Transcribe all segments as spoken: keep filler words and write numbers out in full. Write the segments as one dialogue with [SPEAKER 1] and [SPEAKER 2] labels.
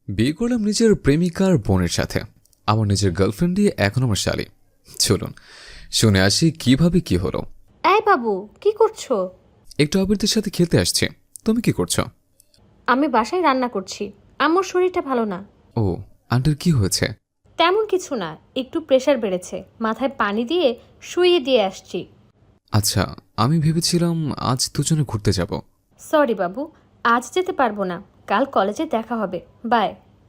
[SPEAKER 1] বিয়ে করলাম নিজের প্রেমিকার বোনের সাথে। আমার নিজের গার্লফ্রেন্ড দিয়ে এখন আমার শালি। চলুন শুনে আসি কিভাবে কি হলো।
[SPEAKER 2] এই বাবু, কি করছো?
[SPEAKER 1] একটু আবিরদের সাথে খেলতে আসছি। তুমি কি করছো?
[SPEAKER 2] আমি বাসায় রান্না করছি। আম্মুর শরীরটা ভালো না।
[SPEAKER 1] ও, আন্টির কি হয়েছে?
[SPEAKER 2] তেমন কিছু না, একটু প্রেশার বেড়েছে, মাথায় পানি দিয়ে শুইয়ে দিয়ে আসছি।
[SPEAKER 1] আচ্ছা, আমি ভেবেছিলাম আজ দুজনে ঘুরতে যাব।
[SPEAKER 2] সরি বাবু, আজ যেতে পারবো না, কাল কলেজে দেখা হবে। বাই।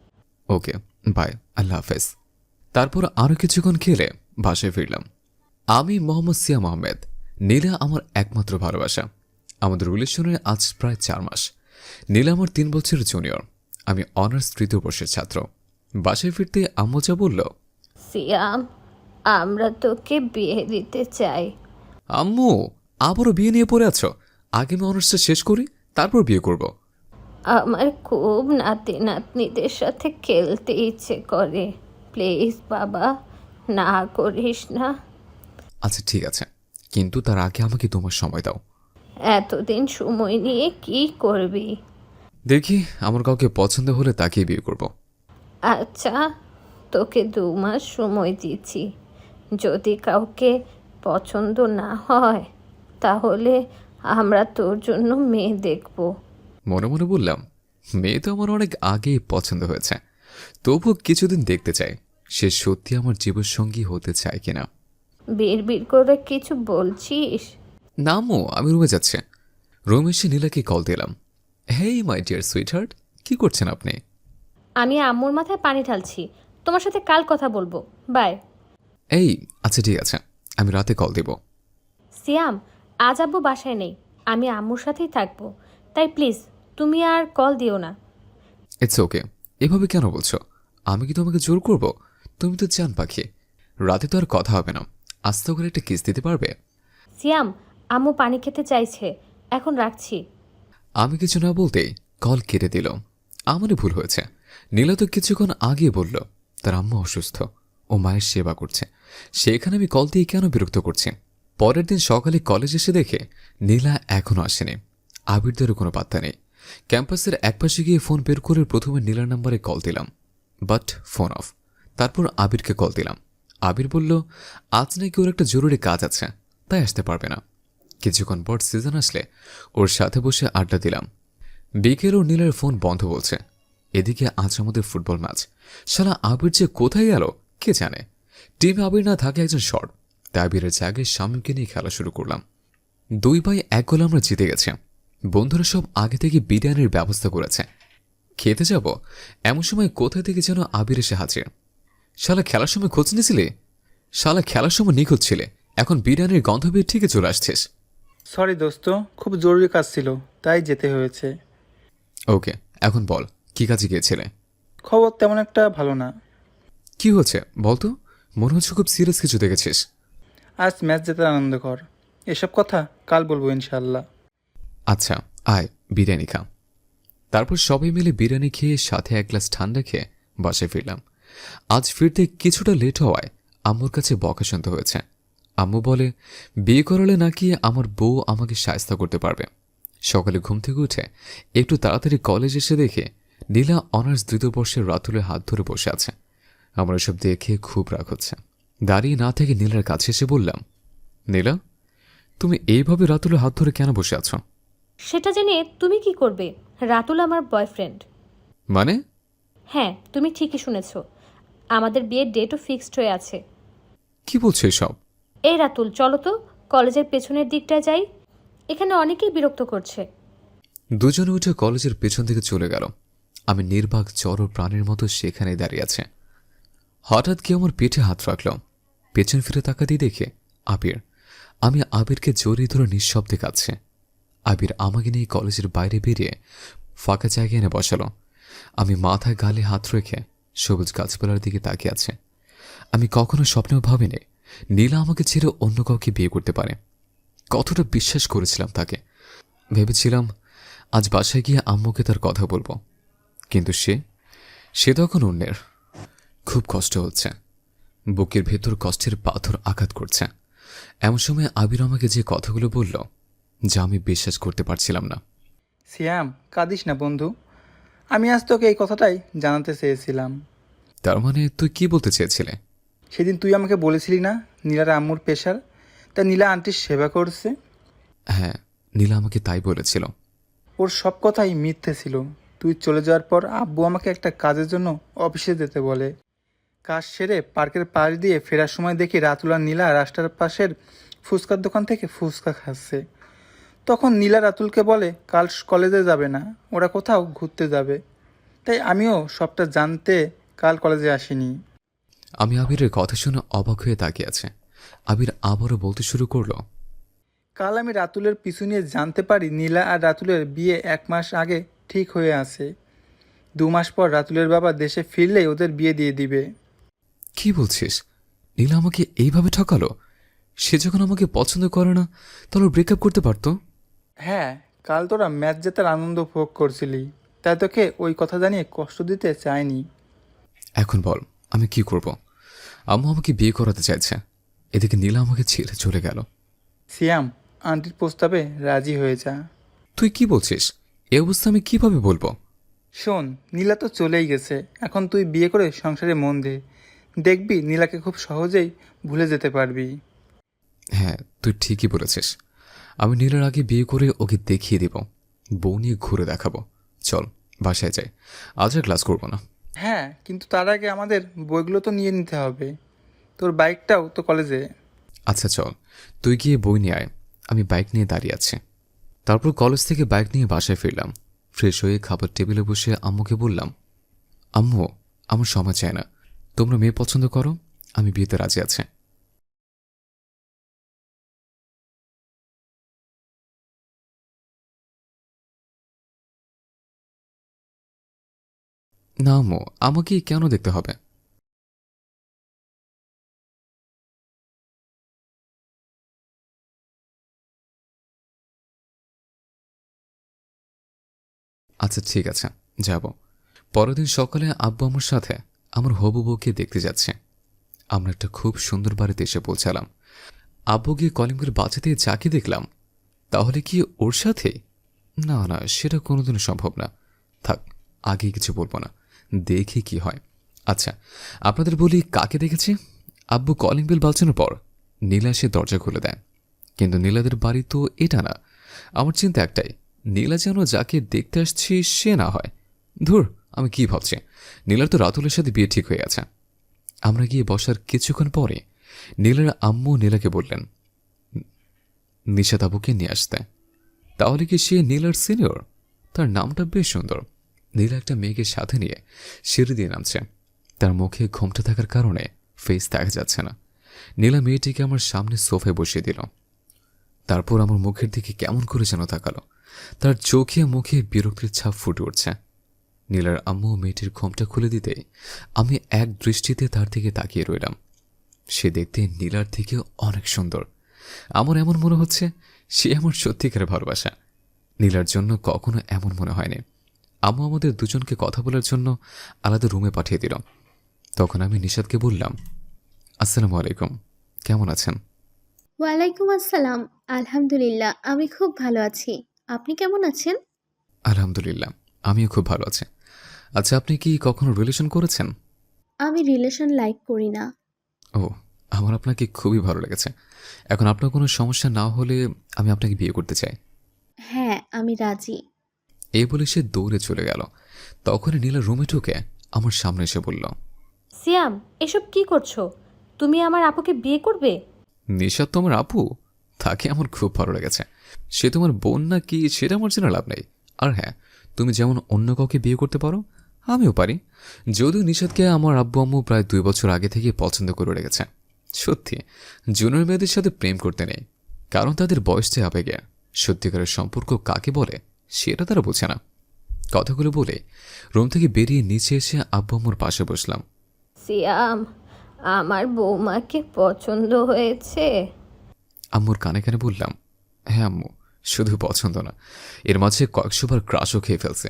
[SPEAKER 1] ওকে, বাই, আল্লাহ হাফেজ। তারপর আরও কিছুক্ষণ খেলে বাসায় ফিরলাম। আমি মোহাম্মদ সিয়াম আহমেদ। নীলা আমার একমাত্র ভালোবাসা। আমাদের রিলেশনের আজ প্রায় চার মাস। নীলা আমার তিন বছরের জুনিয়র। আমি অনার্স তৃতীয় বর্ষের ছাত্র। বাসায় ফিরতে আম্মু যা বলল,
[SPEAKER 2] সিয়াম, আমরা তোকে বিয়ে দিতে চাই।
[SPEAKER 1] আম্মু আবারও বিয়ে নিয়ে পড়ে আছো? আগে আমি অনার্সটা শেষ করি, তারপর বিয়ে করব।
[SPEAKER 2] আমার খুব নাতি নাতনিদের সাথে খেলতে ইচ্ছে করে। প্লিজ বাবা, না করিস না।
[SPEAKER 1] আচ্ছা ঠিক আছে, কিন্তু তার আগে আমাকে তোমার সময় দাও।
[SPEAKER 2] এতদিন সময় নিয়ে কি করবি?
[SPEAKER 1] দেখি আমার কাউকে পছন্দ হলে তাকেই বিয়ে করব।
[SPEAKER 2] আচ্ছা, তোকে দু মাস সময় দিচ্ছি। যদি কাউকে পছন্দ না হয় তাহলে আমরা তোর জন্য মেয়ে দেখব।
[SPEAKER 1] মনে মনে বললাম, মেয়ে তো আমার অনেক আগেই পছন্দ হয়েছে, তবু কিছুদিন দেখতে চাই সে সত্যি আমার জীবনসঙ্গী হতে চায় কিনা।
[SPEAKER 2] বিড় বিড় করে কিছু বলছিস?
[SPEAKER 1] নামও আমি রুমে যাচ্ছে। রুমে এসে নীলাকে কল দিলাম। Hey my dear sweetheart, কি করছেন আপনি?
[SPEAKER 2] আমি আম্মুর মাথায় পানি ঢালছি। তোমার সাথে কাল কথা বলবো। বাই।
[SPEAKER 1] এই আচ্ছা ঠিক আছে, আমি রাতে কল দেব।
[SPEAKER 2] সিয়াম, আজ আব্বু বাসায় নেই, আমি আম্মুর সাথেই থাকবো। তাই প্লিজ তুমি আর কল দিও না।
[SPEAKER 1] It's okay. এভাবে কেন বলছো? আমি কি তোমাকে জোর করব? তুমি তো জান পাখি। রাতে তো আর কথা হবে না, আস্তে করে একটা কিস দিতে পারবে?
[SPEAKER 2] সিয়াম, আম্মু পানি খেতে চাইছে, এখন রাখছি।
[SPEAKER 1] আমি কিছু না বলতেই কল কেটে দিল। আমারই ভুল হয়েছে। নীলা তো কিছুক্ষণ আগে বলল তার আম্মা অসুস্থ, ও মায়ের সেবা করছে, সেখানে আমি কল দিয়ে কেন বিরক্ত করছি? পরের দিন সকালে কলেজ এসে দেখে নীলা এখনো আসেনি। আবিরদেরও কোনো পাত্তা নেই। ক্যাম্পাসের একপাশে গিয়ে ফোন বের করে প্রথমে নীলার নাম্বারে কল দিলাম, বাট ফোন অফ। তারপর আবিরকে কল দিলাম। আবির বলল আজ নাকি ওর একটা জরুরি কাজ আছে, তাই আসতে পারবে না। কিছুক্ষণ পর সিজন আসলে ওর সাথে বসে আড্ডা দিলাম। বিকেল ও নীলের ফোন বন্ধ বলছে। এদিকে আজ আমাদের ফুটবল ম্যাচ। শালা আবির যে কোথায় গেল কে জানে। টিমে আবির না থাকে একজন শর্ট, তাই আবিরের জায়গায় শামীমকে নিয়ে খেলা শুরু করলাম। দুই বাই এক গোলে আমরা জিতে গেছে। বন্ধুরা সব আগে থেকে বিরিয়ানির ব্যবস্থা করেছে। খেতে যাব এমন সময় কোথা থেকে যেন আবির এসে হাজির। শালা খেলার সময় খোঁজ নিয়েছিলে? শালা খেলার সময় নিখোঁজ ছিলে, এখন বিরিয়ানির গন্ধ পেয়ে ঠিকই চলে আসছিস।
[SPEAKER 3] সরি দোস্ত, খুব জরুরি কাজ ছিল তাই যেতে হয়েছে।
[SPEAKER 1] ওকে, এখন বল কি কাজে গিয়েছিলে?
[SPEAKER 3] খবর তেমন একটা ভালো না।
[SPEAKER 1] কি হচ্ছে বলতো? মনে হচ্ছে খুব সিরিয়াস কিছু দেখেছিস।
[SPEAKER 3] আজ ম্যাচ জেতার আনন্দ কর, এসব কথা কাল বলবো ইনশাল্লাহ।
[SPEAKER 1] আচ্ছা আয় বিরিয়ানি খা। তারপর সবাই মিলে বিরিয়ানি খেয়ে সাথে এক গ্লাস ঠান্ডা খেয়ে বাসায় ফিরলাম। আজ ফিরতে কিছুটা লেট হওয়ায় আম্মুর কাছে বকা শুনতে হয়েছে। আম্মু বলে বিয়ে করালে নাকি আমার বউ আমাকে সায়স্তা করতে পারবে। সকালে ঘুম থেকে উঠে একটু তাড়াতাড়ি কলেজ এসে দেখে নীলা অনার্স দ্বিতীয় বর্ষের রাতুলের হাত ধরে বসে আছে। আমার এসব দেখে খুব রাগ হচ্ছে। দাঁড়িয়ে না থেকে নীলার কাছে এসে বললাম, নীলা তুমি এইভাবে রাতুলের হাত ধরে কেন বসে আছো?
[SPEAKER 2] সেটা জেনে তুমি কি করবে? রাতুল আমার বয়ফ্রেন্ড।
[SPEAKER 1] মানে?
[SPEAKER 2] হ্যাঁ, তুমি ঠিকই শুনেছ, আমাদের বিয়ের ডেটও ফিক্সড হয়ে আছে।
[SPEAKER 1] কি বলছো এসব?
[SPEAKER 2] এই রাতুল, চলো তো কলেজের পেছনের দিকটায় যাই, এখানে অনেকেই বিরক্ত করছে।
[SPEAKER 1] দুজনে উঠে কলেজের পেছন দিকে চলে গেল। আমি নির্বাক জড় প্রাণের মতো সেখানে দাঁড়িয়ে আছে। হঠাৎ কেউ আমার পিঠে হাত রাখল। পেছন ফিরে তাকাতেই দেখে আবির। আমি আবিরকে জড়িয়ে ধরে নিঃশব্দে কাঁদছে। আবির আমাকে নিয়ে কলেজের বাইরে বেরিয়ে ফাঁকা জায়গায় এনে বসালো। আমি মাথায় গালে হাত রেখে সবুজ গাছপালার দিকে তাকিয়ে আছে। আমি কখনো স্বপ্নেও ভাবিনি নীলা আমাকে ছেড়ে অন্য কাউকে বিয়ে করতে পারে। কতটা বিশ্বাস করেছিলাম তাকে। ভেবেছিলাম আজ বাসায় গিয়ে আম্মুকে তার কথা বলবো, কিন্তু সে সে তখন অন্যের। খুব কষ্ট হচ্ছে, বুকের ভেতর কষ্টের পাথর আঘাত করছে। এমন সময় আবির আমাকে যে কথাগুলো বলল যা আমি বিশ্বাস করতে পারছিলাম না।
[SPEAKER 3] সিয়াম, কাঁদিস না বন্ধু, আমি আজ তোকে এই কথাটাই জানাতে চেয়েছিলাম।
[SPEAKER 1] তার মানে তুই কি বলতে চেয়েছিলে?
[SPEAKER 3] সেদিন তুই আমাকে বলেছিলি না নীলার আম্মুর পেশার, তা নীলা আন্টির সেবা করছে।
[SPEAKER 1] হ্যাঁ, নীলা আমাকে তাই বলেছিল।
[SPEAKER 3] ওর সব কথাই মিথ্যে ছিল। তুই চলে যাওয়ার পর আব্বু আমাকে একটা কাজের জন্য অফিসে যেতে বলে। কাজ সেরে পার্কের পাশ দিয়ে ফেরার সময় দেখি রাতুল আর নীলা রাস্তার পাশের ফুচকার দোকান থেকে ফুচকা খাচ্ছে। তখন নীলা রাতুলকে বলে কাল কলেজে যাবে না, ওরা কোথাও ঘুরতে যাবে। তাই আমিও সবটা জানতে কাল কলেজে আসিনি।
[SPEAKER 1] আমি আবিরের কথা শুনে অবাক হয়ে তাকিয়ে আছে। আবির আবারও বলতে শুরু করলো,
[SPEAKER 3] কাল আমি রাতুলের পিছু নিয়ে জানতে পারি নীলা আর রাতুলের বিয়ে এক মাস আগে ঠিক হয়ে আছে। দু মাস পর রাতুলের বাবা দেশে ফিরলেই ওদের বিয়ে দিয়ে দিবে।
[SPEAKER 1] কি বলছিস? নীলা আমাকে এইভাবে ঠকালো? সে যখন আমাকে পছন্দ করে না, তাহলে ব্রেকআপ করতে পারতো।
[SPEAKER 3] হ্যাঁ, কাল তোরা ম্যাচ জেতার আনন্দ উপভোগ করছিলি, তাই তোকে ওই কথা জানিয়ে কষ্ট দিতে চাইনি।
[SPEAKER 1] এখন বল, আমি কি করব? আম্মু আমাকে বিয়ে করাতে চাইছে, এদিকে নীলা আমাকে ছেড়ে চলে গেল।
[SPEAKER 3] সিয়াম, আন্টির প্রস্তাবে রাজি হয়ে যা।
[SPEAKER 1] তুই কি বলছিস? এ অবস্থা আমি কিভাবে বলবো?
[SPEAKER 3] শোন, নীলা তো চলেই গেছে, এখন তুই বিয়ে করে সংসারে মন দে। দেখবি নীলাকে খুব সহজেই ভুলে যেতে পারবি।
[SPEAKER 1] হ্যাঁ, তুই ঠিকই বলেছিস। আমি নীলার আগে বিয়ে করে ওকে দেখিয়ে দিব, বউ নিয়ে ঘুরে দেখাবো। চল বাসায় যাই, আজ আর ক্লাস করবো না।
[SPEAKER 3] হ্যাঁ, কিন্তু তার আগে আমাদের বইগুলো তো নিয়ে নিতে হবে, তোর বাইকটাও তো কলেজে।
[SPEAKER 1] আচ্ছা চল, তুই গিয়ে বই নিয়ে আয়, আমি বাইক নিয়ে দাঁড়িয়ে আছি। তারপর কলেজ থেকে বাইক নিয়ে বাসায় ফিরলাম। ফ্রেশ হয়ে খাবার টেবিলে বসে আম্মুকে বললাম, আম্মু, আমার সময় চায় না, তোমরা মেয়ে পছন্দ করো, আমি বিয়েতে রাজি আছি। না আম্মু, আমাকে কেন দেখতে হবে? আচ্ছা ঠিক আছে, যাব। পরের দিন সকালে আব্বু আমার সাথে আমার হবু বউকে দেখতে যাচ্ছে। আমরা একটা খুব সুন্দর বাড়িতে এসে পৌঁছালাম। আব্বু গিয়ে কলিংবেল বাঁচাতে যাকে দেখলাম, তাহলে কি ওর সাথে? না না, সেটা কোনোদিনও সম্ভব না। থাক, আগে কিছু বলবো না, দেখি কি হয়। আচ্ছা, আপনাদের বলি কাকে দেখেছি। আব্বু কলিং বেল বাজানোর পর নীলা এসে দরজা খুলে দেয়। কিন্তু নীলাদের বাড়ি তো এটা না। আমার চিন্তা একটাই, নীলা যেন যাকে দেখতে আসছি সে না হয়। ধুর, আমি কি ভাবছি, নীলার তো রাতুলের সাথে বিয়ে ঠিক হয়ে গেছে। আমরা গিয়ে বসার কিছুক্ষণ পরে নীলার আম্মু নীলাকে বললেন নিশাত আবুকে নিয়ে আসতে। তাহলে কি সে নীলার সিনিয়র? তার নামটা বেশ সুন্দর। নীলা একটা মেয়েকে সাথে নিয়ে সিঁড়ি দিয়ে নামছে। তার মুখে ঘোমটা থাকার কারণে ফেস দেখা যাচ্ছে না। নীলা মেয়েটিকে আমার সামনে সোফায় বসিয়ে দিল। তারপর আমার মুখের দিকে কেমন করে যেন তাকালো। তার চোখে মুখে বিরক্তির ছাপ ফুটে উঠছে। নীলার আম্মু মেয়েটির ঘোমটা খুলে দিতে আমি এক দৃষ্টিতে তার দিকে তাকিয়ে রইলাম। সে দেখতে নীলার থেকে অনেক সুন্দর। আমার এমন মনে হচ্ছে সে আমার সত্যিকারের ভালোবাসা। নীলার জন্য কখনো এমন মনে হয়নি। আম্মু আমাদের দুজনকে কথা বলার জন্য আলাদা রুমে পাঠিয়ে দিল। তখন আমি নিশাদকে বললাম, আসসালামু আলাইকুম, কেমন আছেন?
[SPEAKER 4] ওয়ালাইকুম আসসালাম। আলহামদুলিল্লাহ, আমি খুব ভালো আছি। আপনি কেমন আছেন?
[SPEAKER 1] আলহামদুলিল্লাহ, আমিও খুব ভালো আছি। আচ্ছা, আপনি কি কখনো রিলেশন করেছেন?
[SPEAKER 4] আমি রিলেশন লাইক করি না।
[SPEAKER 1] ও, আমার আপনাকে খুবই ভালো লেগেছে। এখন আপনার কোনো সমস্যা না হলে আমি আপনাকে বিয়ে করতে চাই।
[SPEAKER 4] হ্যাঁ, আমি রাজি।
[SPEAKER 1] এই বলে সে দৌড়ে চলে গেল। তখনই নীলা রুমে ঢুকে আমার সামনে এসে বলল,
[SPEAKER 2] সিয়াম, এসব কি করছো? তুমি আমার আপুকে বিয়ে করবে?
[SPEAKER 1] নিশাদ তো আমার আপু, তাকে আমার খুব ভালো লেগেছে। সে তোমার বোন না কি সেটা আমার জেনে লাভ নেই। আর হ্যাঁ, তুমি যেমন অন্য কাউকে বিয়ে করতে পারো, আমিও পারি। যদিও নিশাদকে আমার আব্বু আম্মু প্রায় দুই বছর আগে থেকে পছন্দ করে রেখেছে। সত্যি, জুনিয়র মেয়েদের সাথে প্রেম করতে নেই, কারণ তাদের বয়সটা আবেগে। সত্যিকারের সম্পর্ক কাকে বলে সেটা তারা বোঝে না। কথাগুলো বলে রুম থেকে বেরিয়ে নিচে এসে আব্বু আম্মুর পাশে বসলাম।
[SPEAKER 2] সিয়াম, আমার বৌমাকে পছন্দ হয়েছে।
[SPEAKER 1] আম্মুর কানে কানে বললাম, হ্যাঁ আম্মু, শুধু পছন্দ না, এর মাঝে কয়েকশোবার ক্রাশও খেয়ে ফেলছে।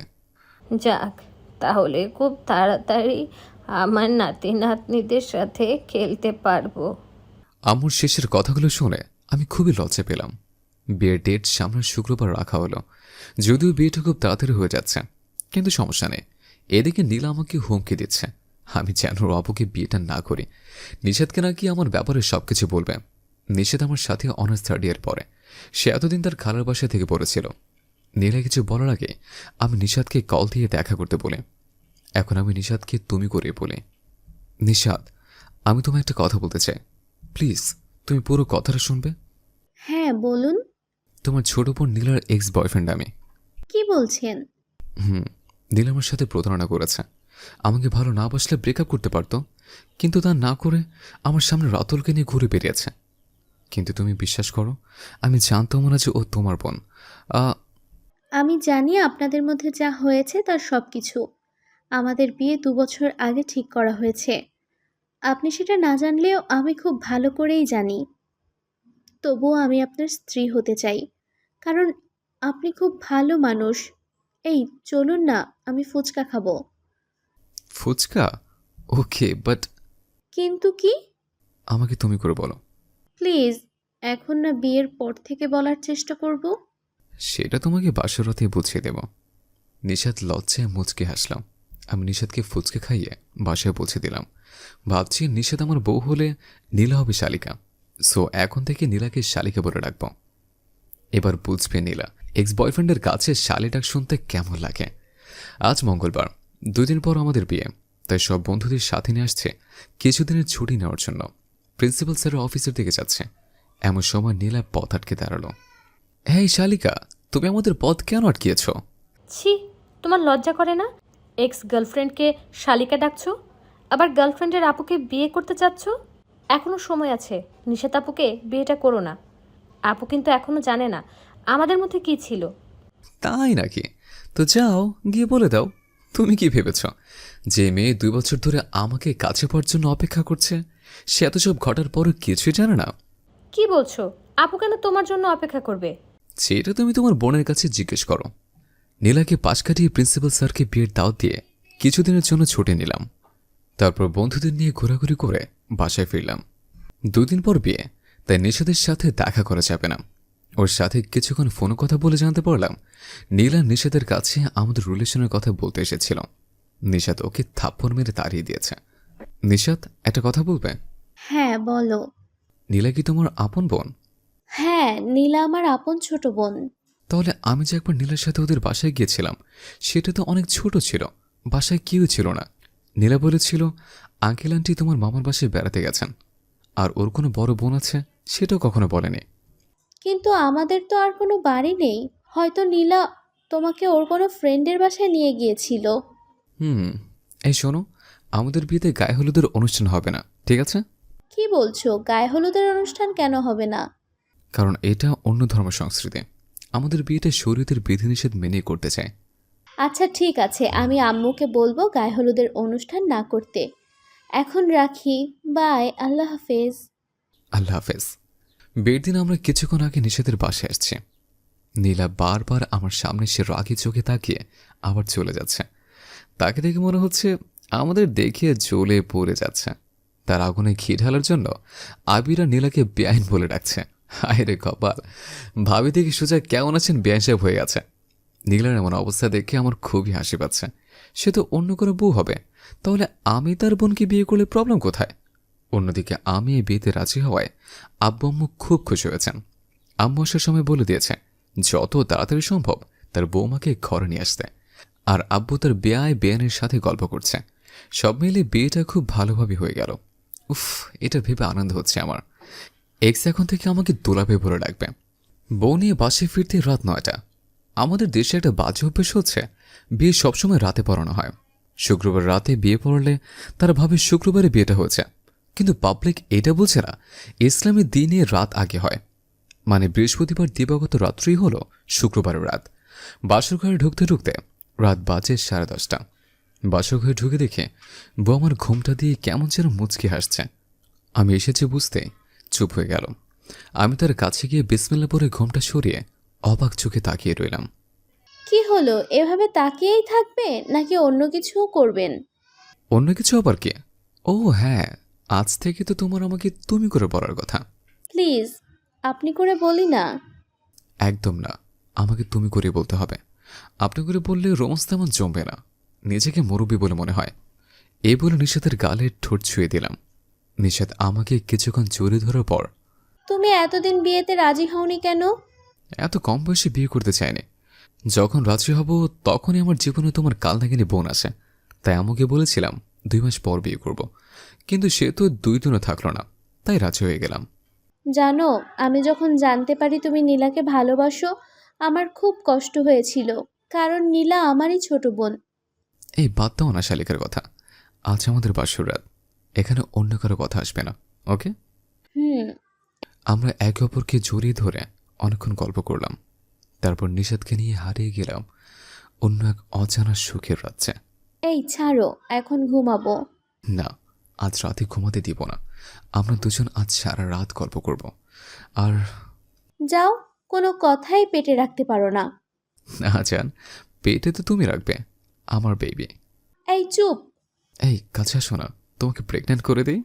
[SPEAKER 2] যাক, তাহলে খুব তাড়াতাড়ি আমার নাতি নাতনিদের সাথে খেলতে পারবো।
[SPEAKER 1] আম্মুর শেষের কথাগুলো শুনে আমি খুবই লজ্জা পেলাম। বিয়ের ডেট সামনের শুক্রবার রাখা হলো। যদিও বিয়েটা খুব তাড়াতাড়ি হয়ে যাচ্ছে, কিন্তু সমস্যা নেই, এদিকে নীলা আমাকে হুমকি দিচ্ছে আমি যেন ওর অপুকে বিয়েটা না করি। নিষাদকে নাকি আমার ব্যাপারে সবকিছু বলবে। নিষাদ আমার সাথে অনার্স থার্ড ইয়ার পরে, সে এতদিন তার খালার বাসা থেকে পড়েছিল। নীলা কিছু বলার আগে আমি নিষাদকে কল দিয়ে দেখা করতে বলি। এখন আমি নিষাদকে তুমি করে বলি, নিষাদ আমি তোমায় একটা কথা বলতে চাই, প্লিজ তুমি পুরো কথাটা শুনবে।
[SPEAKER 4] হ্যাঁ বলুন।
[SPEAKER 1] তোমার ছোট বোন নীলার এক্স বয়ফ্রেন্ড আমি।
[SPEAKER 4] কি বলছেন?
[SPEAKER 1] হুম, নীলা আমার সাথে প্রতারণা করেছে। আমাকে ভালো না বাসলে ব্রেকআপ করতে পারতো, কিন্তু তা না করে আমার সামনে রাতুলকে নিয়ে ঘুরে বেরিয়েছে। কিন্তু তুমি বিশ্বাস করো, আমি জানতাম না যে ও তোমার বোন। আ,
[SPEAKER 4] আমি জানি আপনাদের মধ্যে যা হয়েছে তার সব কিছু। আমাদের বিয়ে দু বছর আগে ঠিক করা হয়েছে। আপনি সেটা না জানলেও আমি খুব ভালো করেই জানি। তবুও আমি আপনার স্ত্রী হতে চাই, কারণ আপনি খুব ভালো মানুষ। এই চলুন না, আমি ফুচকা খাবো।
[SPEAKER 1] ফুচকা? ওকে, বাট
[SPEAKER 4] কিন্তু কি?
[SPEAKER 1] আমাকে তুমি করে বলো।
[SPEAKER 4] প্লিজ, এখন না বিয়ের পর থেকে বলার চেষ্টা করব।
[SPEAKER 1] সেটা তোমাকে বাসরাতে বুঝিয়ে দেব। নিষাদ লজ্জায় মুচকে হাসলাম। আমি নিষাদকে ফুচকে খাইয়ে বাসায় পৌঁছে দিলাম। ভাবছি নিষাদ আমার বউ হলে নীলা হবে শালিকা, সো এখন থেকে নীলাকে শালিকা বলে রাখব। এবার বুঝবে নীলা এক্স বয়ফ্রেন্ডের কাছে শালি ডাক শুনতে কেমন লাগে। আজ মঙ্গলবার, দুদিন পর আমাদের বিয়ে, তাই সব বন্ধুদের সাথে নিয়ে আসছে কিছুদিনের ছুটি নেওয়ার জন্য। প্রিন্সিপাল স্যারের অফিসের দিকে যাচ্ছে। এমন সময় নীলা পথ আটকে দাঁড়ালো। হ্যাঁ শালিকা, তুমি আমাদের পথ কেন আটকিয়েছ?
[SPEAKER 2] ছি, তোমার লজ্জা করে না? এক্স গার্লফ্রেন্ডকে শালিকা ডাকছো, আবার গার্লফ্রেন্ডের আপুকে বিয়ে করতে চাচ্ছ। এখনও সময় আছে, নিষেধ আপুকে বিয়েটা করো না। আপু কিন্তু এখনও জানে না আমাদের মধ্যে কি ছিল।
[SPEAKER 1] তাই নাকি? তো যাও গিয়ে বলে দাও। তুমি কি ভেবেছ যে মেয়ে দুই বছর ধরে আমাকে কাছে পাওয়ার জন্য অপেক্ষা করছে, সে এত সব ঘটার পরও কিছুই জানে না?
[SPEAKER 2] কি বলছো? আপু কেন তোমার জন্য অপেক্ষা করবে?
[SPEAKER 1] সেটা তুমি তোমার বোনের কাছে জিজ্ঞেস করো। নীলাকে পাশ কাটিয়ে প্রিন্সিপাল স্যারকে বিয়ের দাওয়াত দিয়ে কিছুদিনের জন্য ছুটে নিলাম। তারপর বন্ধুদের নিয়ে ঘোরাঘুরি করে বাসায় ফিরলাম। দুদিন পর বিয়ে, তাই নিষাদের সাথে দেখা করা যাবে না। ওর সাথে কিছুক্ষণ ফোনে কথা বলে জানতে পারলাম নীলা নিষাদের কাছে আমাদের রিলেশনের কথা বলতে এসেছিল। নিষাদ ওকে থাপ্পড় মেরে তাড়িয়ে দিয়েছে। নিষাদ একটা কথা বলবে?
[SPEAKER 4] হ্যাঁ বলো।
[SPEAKER 1] নীলা কি তোমার আপন বোন?
[SPEAKER 4] হ্যাঁ, নীলা আমার আপন ছোট বোন।
[SPEAKER 1] তাহলে আমি যে একবার নীলার সাথে ওদের বাসায় গিয়েছিলাম, সেটা তো অনেক ছোট ছিল, বাসায় কেউ ছিল না। নীলা বলেছিল আঙ্কেল আন্টি তোমার মামার বাসায় বেড়াতে গেছেন, আর ওর কোনো বড় বোন আছে সেটাও কখনো বলেনি।
[SPEAKER 4] কিন্তু আমাদের তো আর কোনো বাড়ি নেই। হয়তো নীলা তোমাকে ওর কোনো ফ্রেন্ডের বাসায় নিয়ে গিয়েছিল।
[SPEAKER 1] হুম, এই শোনো, আমাদের বিয়েতে গায়ে হলুদের অনুষ্ঠান হবে না, ঠিক আছে?
[SPEAKER 4] কি বলছো? গায়ে হলুদের অনুষ্ঠান কেন হবে না?
[SPEAKER 1] কারণ এটা অন্য ধর্ম সংস্কৃতি। আমাদের বিয়েটা শরীয়তের বিধিনিষেধ মেনে করতে চায়।
[SPEAKER 4] আচ্ছা ঠিক আছে, আমি আম্মুকে বলবো গায়ে হলুদের অনুষ্ঠান না করতে। এখন রাখি, বাই, আল্লাহ হাফেজ।
[SPEAKER 1] আল্লাহ হাফেজ। বিয়ের দিন আমরা কিছুক্ষণ আগে নিষেধের বাসায় আসছি। নীলা বারবার আমার সামনে সে রাগি চোখে তাকিয়ে আবার চলে যাচ্ছে। তাকে দেখে মনে হচ্ছে আমাদের দেখে জ্বলে পড়ে যাচ্ছে। তার আগুনে ঘি ঢালার জন্য আবিরা নীলাকে বেআইন বলে ডাকছে। হায় রে কপাল, ভাবি দেখি সোজা কেমন আছেন বেআইন সাহেব হয়ে গেছে। নীলার এমন অবস্থা দেখে আমার খুবই হাসি পাচ্ছে। সে তো অন্য কোনো বউ হবে, তাহলে আমি তার বোনকে বিয়ে করলে প্রবলেম কোথায়? অন্যদিকে আমি এই বিয়েতে রাজি হওয়ায় আব্বু আম্মু খুব খুশি হয়েছেন। আম্মু আসার সময় বলে দিয়েছে যত তাড়াতাড়ি সম্ভব তার বৌমাকে ঘরে নিয়ে আসতে। আর আব্বু তার বেয়ায় বেয়ানের সাথে গল্প করছে। সব মিলে বিয়েটা খুব ভালোভাবে হয়ে গেল। উফ, এটা ভেবে আনন্দ হচ্ছে আমার। এক্স এখন থেকে আমাকে দোলাপে ভরে রাখবে। বউ নিয়ে বাসে ফিরতে রাত নয়টা। আমাদের দেশে একটা বাজে অভ্যেস হচ্ছে বিয়ে সবসময় রাতে পড়ানো হয়। শুক্রবার রাতে বিয়ে পড়লে তারা ভাবে শুক্রবারে বিয়েটা হয়েছে, কিন্তু পাবলিক এটা বলছে না ইসলামী দিনে রাত আগে হয়, মানে বৃহস্পতিবার দিবাগত রাত্রি হলো শুক্রবারের রাত। বাসর ঘরে ঢুকতে ঢুকতে রাত বাজে সাড়ে দশটা। বাসর ঘরে ঢুকে দেখে বউ আমার ঘুমটা দিয়ে কেমন যেন মুচকি হাসছে। আমি এসেছি বুঝতে চুপ হয়ে গেল। আমি তার কাছে গিয়ে বিসমিল্লাহ পরে ঘুমটা সরিয়ে অবাক চোখে তাকিয়ে রইলাম।
[SPEAKER 4] কি হলো, এভাবে তাকিয়েই থাকবে নাকি অন্য কিছুও করবেন?
[SPEAKER 1] অন্য কিছু আবার কি? ও হ্যাঁ, আজ থেকে তো তোমার আমাকে তুমি করে বলার কথা।
[SPEAKER 4] প্লিজ, আপনি করে বলি না।
[SPEAKER 1] একদম না, আমাকে তুমি করে বলতে হবে। আপনি করে বললে রোমান্স তেমন জমবে না। নিজেকে মুরব্বী বলে মনে হয়। এই বলে নিশাতের গালে ঠোঁট ছুঁয়ে দিলাম। নিশাত আমাকে কিছুক্ষণ জড়িয়ে ধরার পর,
[SPEAKER 4] তুমি এতদিন বিয়েতে রাজি হওনি কেন?
[SPEAKER 1] এত কম বয়সে বিয়ে করতে চাইনি। যখন রাজি হব তখনই আমার জীবনে তোমার কাল নাগিনী বোন আছে, তাই আমাকে বলেছিলাম দুই মাস পর বিয়ে করব। কিন্তু সে তো দুই দিনও থাকলো না, তাই রাজি হয়ে গেলাম।
[SPEAKER 4] জানো, আমি যখন জানতে পারি তুমি নীলাকে ভালোবাসো, আমার খুব কষ্ট হয়েছিল, কারণ নীলা আমারই ছোট বোন।
[SPEAKER 1] এই বাদ দাও না শালিকার কথা। আজ আমাদের বাসর রাত, এখানে অন্য কারো কথা আসবে না, ওকে?
[SPEAKER 4] হুম।
[SPEAKER 1] আমরা একে অপরকে জড়িয়ে ধরে অনেকক্ষণ গল্প করলাম। তারপর নিষাদকে নিয়ে হারিয়ে গেলাম অন্য এক অজানা সুখের রাজ্যে।
[SPEAKER 4] এই ছাড়ো, এখন ঘুমাবো।
[SPEAKER 1] না, আজ রাতে ঘুমাতে দিব না। আমরা দুজন আজ সারা রাত গল্প করব। আর
[SPEAKER 4] যাও, কোনো কথাই পেটে রাখতে পারো না।
[SPEAKER 1] না জান, পেটে তো তুমি রাখবে, আমার বেবি।
[SPEAKER 4] এই চুপ।
[SPEAKER 1] এই কাছে আসো না, তোমাকে প্রেগনেন্ট করে দেই।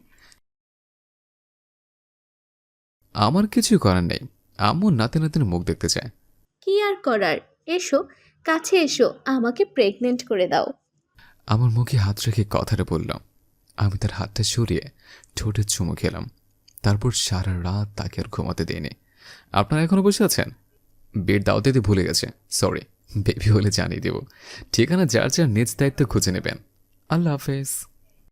[SPEAKER 1] আমার কিছু করার নেই, আম্মু নাতি নাতির মুখ দেখতে চায়।
[SPEAKER 4] কি আর করার, এসো, কাছে এসো, আমাকে প্রেগনেন্ট করে দাও।
[SPEAKER 1] আমার মুখে হাত রেখে কথাটা বললাম। আমি তার হাতটা সরিয়ে ঠোঁটে চুমু খেলাম। তারপর সারা রাত তাকে আর ঘুমাতে দিইনি। আপনারা এখনো বসে আছেন? বেড দাও দিতে ভুলে গেছে, সরি। বেবি হলে জানিয়ে দেব। ঠিকানা যার যার নিজ দায়িত্ব খুঁজে নেবেন। আল্লাহ হাফেজ।